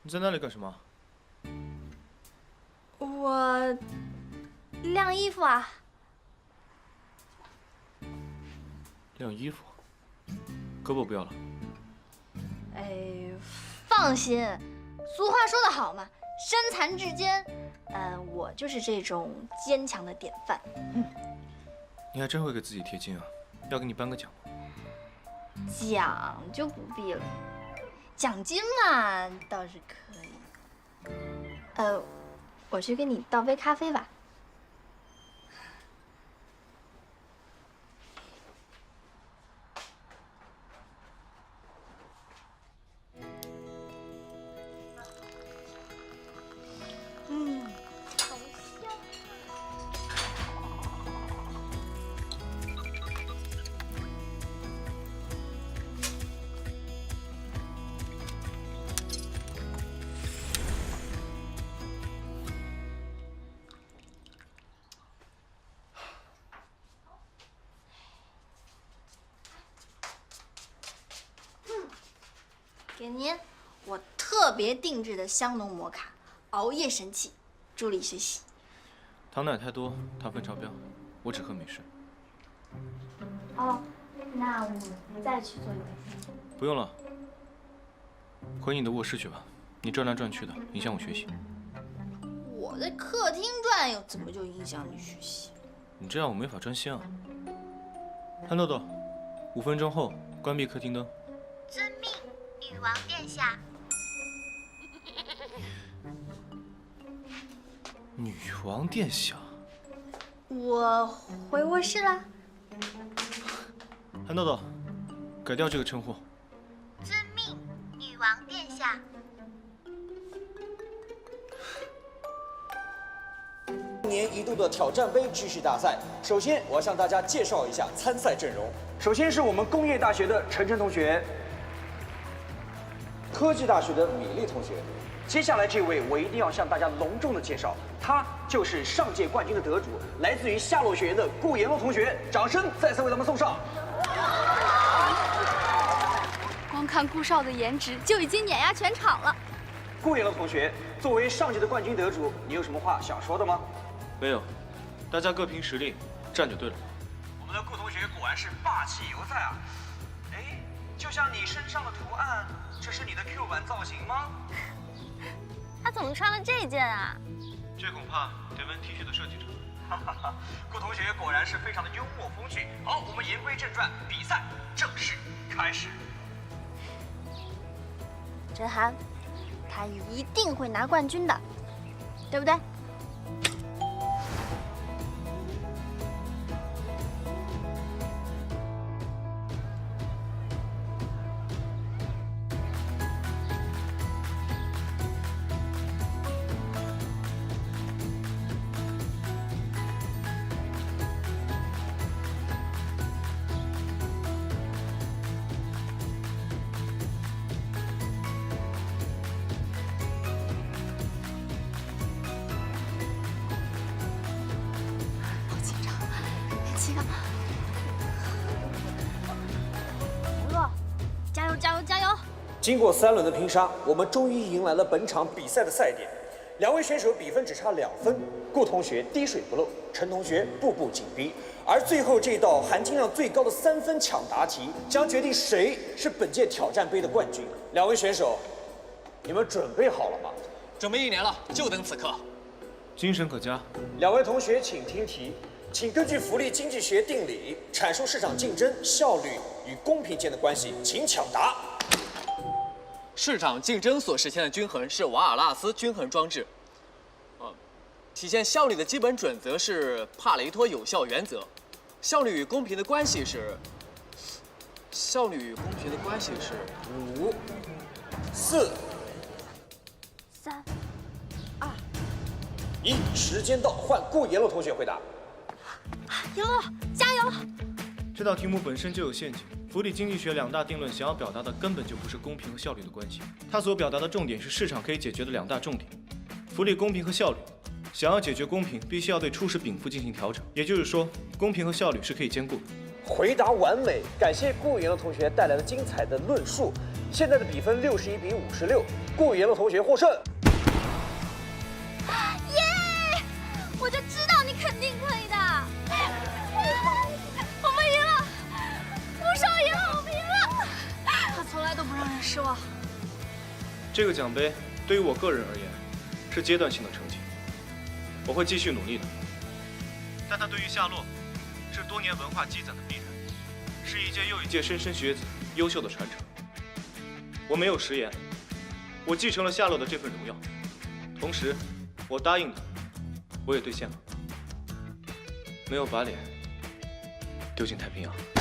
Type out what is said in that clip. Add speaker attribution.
Speaker 1: 你在那里干什么？
Speaker 2: 我晾衣服啊。
Speaker 1: 晾衣服？胳膊不要了？
Speaker 2: 哎，放心，俗话说得好嘛，身残志坚。我就是这种坚强的典范。
Speaker 1: 你还真会给自己贴金啊！要给你颁个奖吗？
Speaker 2: 奖就不必了，奖金嘛倒是可以。我去给你倒杯咖啡吧。好香给您我特别定制的香浓摩卡，熬夜神器，助力学习。
Speaker 1: 糖奶太多，糖分超标，我只喝美式。
Speaker 2: 哦，那我再去做一杯。
Speaker 1: 不用了，回你的卧室去吧。你转来转去的，影响我学习。
Speaker 2: 我在客厅转悠，怎么就影响你学习？
Speaker 1: 你这样我没法专心啊。憨豆豆，5分钟后关闭客厅灯。
Speaker 3: 遵命，女王殿下。
Speaker 1: 女王殿下。
Speaker 2: 我回卧室啦。
Speaker 1: 憨豆豆，改掉这个称呼。
Speaker 3: 遵命，女王殿下。
Speaker 4: 一年一度的挑战杯知识大赛，首先我要向大家介绍一下参赛阵容。首先是我们工业大学的晨晨同学，科技大学的米粒同学。接下来这位我一定要向大家隆重的介绍，他就是上届冠军的得主，来自于夏洛学院的顾延洛同学，掌声再次为他们送上。
Speaker 5: 光看顾少的颜值就已经碾压全场了。
Speaker 4: 顾延洛同学，作为上届的冠军得主，你有什么话想说的吗？
Speaker 1: 没有，大家各凭实力，站就对了。
Speaker 4: 我们的顾同学果然是霸气犹在啊！哎，就像你身上的图案，这是你的 Q 版造型吗？
Speaker 5: 他怎么穿了这件啊？
Speaker 1: 这恐怕得问 T 恤的设计者。
Speaker 4: 哈哈哈，顾同学果然是非常的幽默风趣。好，我们言归正传，比赛正式开始。
Speaker 2: 真涵，他一定会拿冠军的，对不对？加油加油加油！
Speaker 4: 经过3轮的拼杀，我们终于迎来了本场比赛的赛点。2位选手比分只差2分，顾同学滴水不漏，陈同学步步紧逼。而最后这道含金量最高的3分抢答题，将决定谁是本届挑战杯的冠军。2位选手，你们准备好了吗？
Speaker 6: 准备1年了，就等此刻。
Speaker 1: 精神可嘉。
Speaker 4: 2位同学请听题，请根据福利经济学定理阐述市场竞争、效率与公平间的关系，请抢答。
Speaker 6: 市场竞争所实现的均衡是瓦尔纳斯均衡装置。体现效率的基本准则是帕雷托有效原则。效率与公平的关系是5、
Speaker 4: 4、
Speaker 2: 3、2、
Speaker 4: 1，时间到，换顾延洛同学回答。
Speaker 2: 延洛，加油！
Speaker 1: 这道题目本身就有陷阱。福利经济学2大定论想要表达的根本就不是公平和效率的关系，它所表达的重点是市场可以解决的2大重点：福利、公平和效率。想要解决公平，必须要对初始禀赋进行调整，也就是说，公平和效率是可以兼顾的。
Speaker 4: 回答完美，感谢顾元乐同学带来的精彩的论述。现在的比分61比56，顾元乐同学获胜。
Speaker 5: 耶！我就知道你肯定可以的。我们赢了，顾少赢了，我们赢了。他从来都不让人失望。
Speaker 1: 这个奖杯对于我个人而言是阶段性的成绩，我会继续努力的。但它对于夏洛是多年文化积攒的必然，是一届又一届莘莘学子优秀的传承。我没有食言，我继承了夏洛的这份荣耀，同时我答应的我也兑现了，没有把脸丢进太平洋。